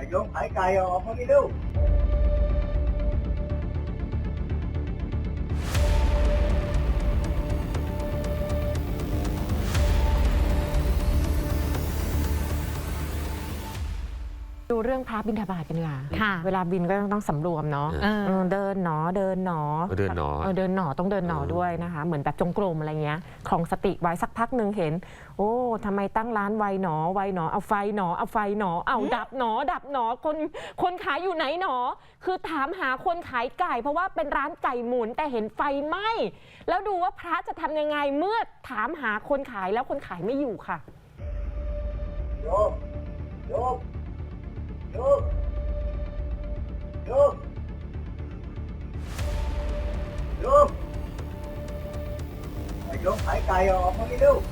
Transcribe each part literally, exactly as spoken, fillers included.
ไอ้โยมขายไก่ออกมาดิลูกดูเรื่องพระบิณฑบาตกันดีกว่าค่ะเวลาบินก็ต้องสำรวมเนาะเออเออเดินหนอเดินหนอเดินหนอเออเดินหนอต้องเดินหนอด้วยนะคะ เหมือนแบบจงกรมอะไรเงี้ยครองสติไว้สักพักหนึ่งเห็น โอ้ทำไมตั้งร้านไวหนอไวหนอเอาไฟหนอเอาไฟหนอเอาดับหนอดับหนอคนคนขายอยู่ไหนหนอ คือถามหาคนขายไก่ เพราะว่าเป็นร้านไก่หมุนแต่เห็นไฟไหม้แล้วดูว่าพระจะทำยังไงเมื่อถามหาคนขายแล้วคนขายไม่อยู่ค่ะโยมโยมโยมโยมโยมไอ้โยมขายไก่ออกมาดิลูก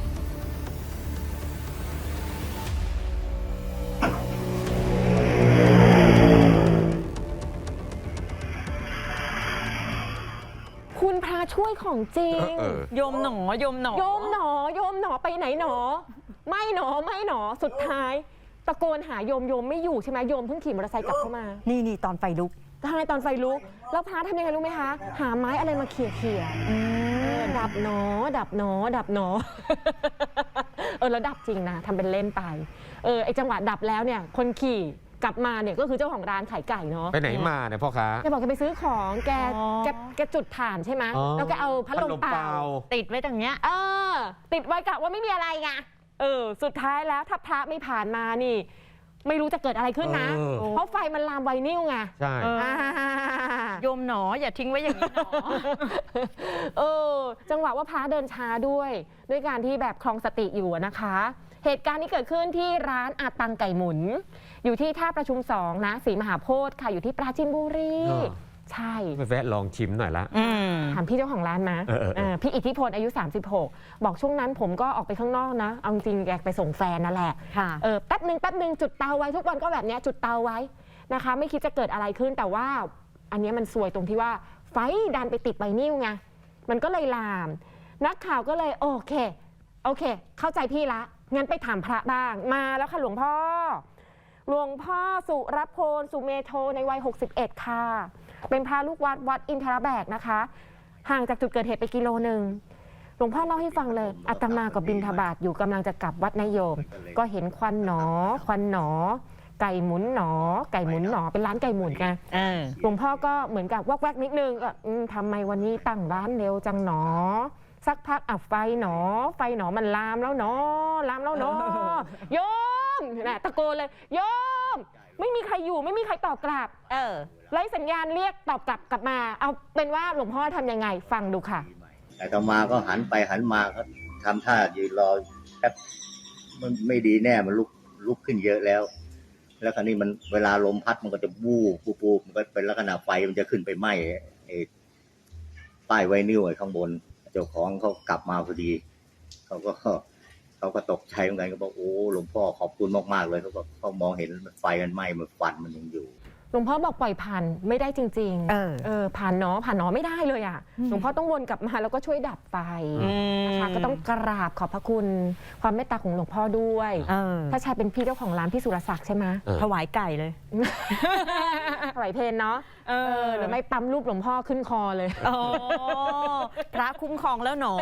คุณพระช่วยของจริงเออโยมหนอโยมหนอโยมหนอโยมหนอไปไหนหนอ ไม่หนอไม่หนอสุดท้าย ตะโกนหาโยมโยมไม่อยู่ใช่ไหมโยมเพิ่งขี่มอเตอร์ไซค์กลับเข้ามานี่นี่ตอนไฟลุกทำไมตอนไฟลุกแล้วพระทำยังไงรู้ไหมคะ หาไม้อะไรมาเขี่ยเขี่ยๆดับหนอ ดับหนอ ดับหนอ เออแล้วดับจริงนะทำเป็นเล่นไปเออไอจังหวะดับแล้วเนี่ยคนขี่กลับมาเนี่ยก็คือเจ้าของร้านขายไก่เนาะไปไหนมาเนี่ยพ่อค้าแกบอกแกไปซื้อของแกอ๋อแกแกจุดถ่านใช่ไหมอ๋อแล้วแกเอาพัดลมเปล่าติดไว้ตรงเนี้ยเออติดไว้กะว่าไม่มีอะไรไงเออสุดท้ายแล้วถ้าพระไม่ผ่านมานี่ ไม่รู้จะเกิดอะไรขึ้นนะเออเพราะไฟมันลามไวนิลไงใช่เอออ่าโยมหนออย่าทิ้งไว้อย่างนี้หนอเออจังหวะว่าพระเดินช้าด้วย ด้วยการที่แบบคลองสติอยู่อะนะคะ เหตุการณ์นี้เกิดขึ้นที่ร้านอาตังไก่หมุน อยู่ที่ท่าประชุมสองนะศรีมหาโพธิ์ค่ะอยู่ที่ปราจีนบุรีเออใช่ไปแวะลองชิมหน่อยละอืมถามพี่เจ้าของร้านมาเออเออเออพี่อิทธิพลอายุ สามสิบหก บอกช่วงนั้นผมก็ออกไปข้างนอกนะ เอาจริงแกไปส่งแฟนนั่นแหละค่ะเออแป๊บหนึ่งแป๊บหนึ่งจุดเตาไว้ทุกวันก็แบบเนี้ยจุดเตาไว้นะคะ ไม่คิดจะเกิดอะไรขึ้นแต่ว่า อันเนี้ยมันซวยตรงที่ว่าไฟดันไปติดใบนิ้วไงมันก็เลยลาม นักข่าวก็เลยโอเคโอเค เข้าใจพี่ละงั้นไปถามพระบ้างมาแล้วค่ะหลวงพ่อ หลวงพ่อสุรพลสุเมโทในวัยหกสิบเอ็ดค่ะเป็นพระลูกวัดวัดอินทรแบกนะคะ ห่างจากจุดเกิดเหตุไปกิโลหนึ่งหลวงพ่อเล่าให้ฟังเลยอาตมากับบิณฑบาตอยู่กำลังจะกลับวัดนายโยม ก็เห็นควันหนอ ควันหนอ ไก่หมุนหนอ ไก่หมุนหนอเป็นร้านไก่หมุนไงเออหลวงพ่อก็เหมือนกับวักแวกนิดนึงก็อืมทำไมวันนี้ตั้งร้านเร็วจังหนอ สักพักอ่ะไฟหนอ ไฟหนอมันลามแล้วหนอลามแล้วหนอโยมน่ะตะโกนเลยโยม ไม่มีใครอยู่ไม่มีใครตอบกลับเออไล่สัญญาณเรียกตอบกลับกลับมา เอาเป็นว่าหลวงพ่อทำยังไงฟังดูค่ะแต่ต่อมาก็หันไปหันมาก็ทำท่ายืนรอแป๊บมันไม่ดีแน่มันลุกลุกขึ้นเยอะแล้ว แล้วคราวนี้มันเวลาลมพัดมันก็จะบู้ปูปูมันก็เป็นลักษณะไฟมันจะขึ้นไปไหม้ไอ้ป้ายไวนิลไอ้ข้างบนเจ้าของเขากลับมาพอดีเขาก็เขาก็ตกใจเหมือนกันก็บอกโอ้หลวงพ่อขอบคุณมากๆเลยเขาก็เขามองเห็นไฟมันไหม้มันควันมันยังอยู่หลวงพ่อบอกปล่อยผ่านไม่ได้จริงๆเออเออผ่านหนอผ่านหนอไม่ได้เลยอ่ะอืมหลวงพ่อต้องวนกลับมาแล้วก็ช่วยดับไฟอืมนะคะก็ต้องกราบขอบพระคุณความเมตตาของหลวงพ่อด้วยเออถ้าชายเป็นพี่เจ้าของร้านพี่สุรศักดิ์ใช่ไหมเออถวายไก่เลยไหวเพลนเนาะเออเออหรือไม่ปั๊มรูปหลวงพ่อขึ้นคอเลยโอ้พระคุ้มครองแล้วหนอ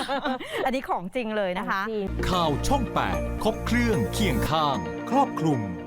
อันนี้ของจริงเลยนะคะจริงข่าวช่อง แปด ครบเครื่องเคียงข้าง ครอบคลุม